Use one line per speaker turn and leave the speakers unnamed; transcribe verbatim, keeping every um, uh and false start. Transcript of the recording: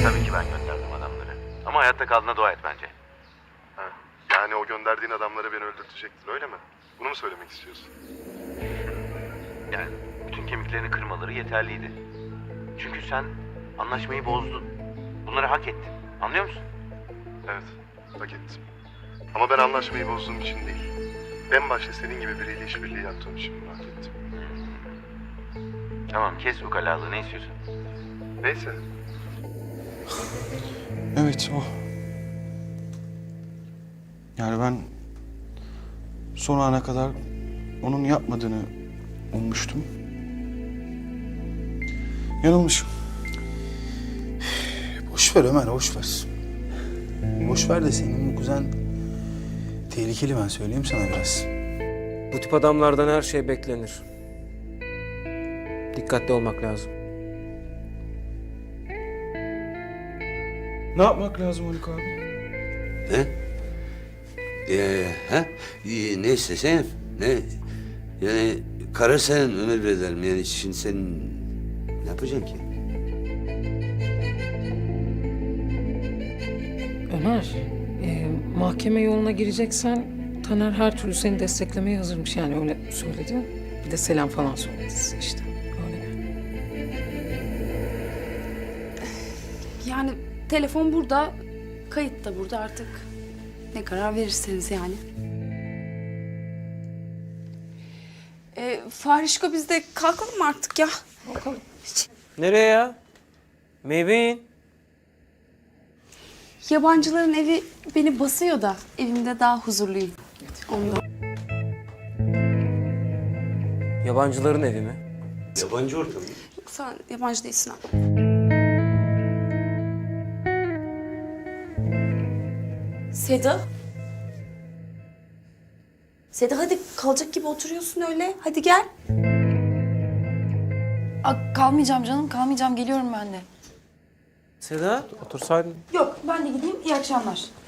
Tabii ki ben gönderdim adamları. Ama hayatta kaldığına dua et bence.
Ha, yani o gönderdiğin adamları beni öldürtecektin öyle mi? Bunu mu söylemek istiyorsun?
Yani bütün kemiklerini kırmaları yeterliydi. Çünkü sen anlaşmayı bozdun. Bunları hak ettin. Anlıyor musun?
Evet, hak ettim. Ama ben anlaşmayı bozduğum için değil. En başta senin gibi biriyle işbirliği yaptığım için bunu hak ettim.
Tamam, kes bu kalalığı. Ne istiyorsun?
Neyse.
Evet o. Yani ben son ana kadar onun yapmadığını ummuştum. Yanılmışım.
Boş ver Ömer, boş ver. Boş ver de senin bu kuzen tehlikeli, ben söyleyeyim sana biraz.
Bu tip adamlardan her şey beklenir. Dikkatli olmak lazım.
Ne yapmak lazım Haluk abi?
Ne? Ee, ha? Ee, ne istesen? Ne? Yani karar senin Ömer Beylerim. Yani şimdi sen ne yapacaksın ki?
Ömer, e, mahkeme yoluna gireceksen Taner her türlü seni desteklemeye hazırmış, yani öyle söyledi. Bir de selam falan söyledi size işte. Öyle.
Yani telefon burada, kayıt da burada artık. Ne karar verirseniz yani. Ee, Farişko, biz de kalkalım mı artık ya?
Bakalım.
Nereye ya? Meyveyin.
Yabancıların evi beni basıyor da evimde daha huzurluyum. Ondan.
Yabancıların evi mi?
Yabancı ortam.
Yok, sen yabancı değilsin ha. Seda. Seda, hadi kalacak gibi oturuyorsun öyle. Hadi gel.
Aa, kalmayacağım canım, kalmayacağım. Geliyorum ben de.
Seda, otursaydın.
Yok, ben de gideyim. İyi akşamlar.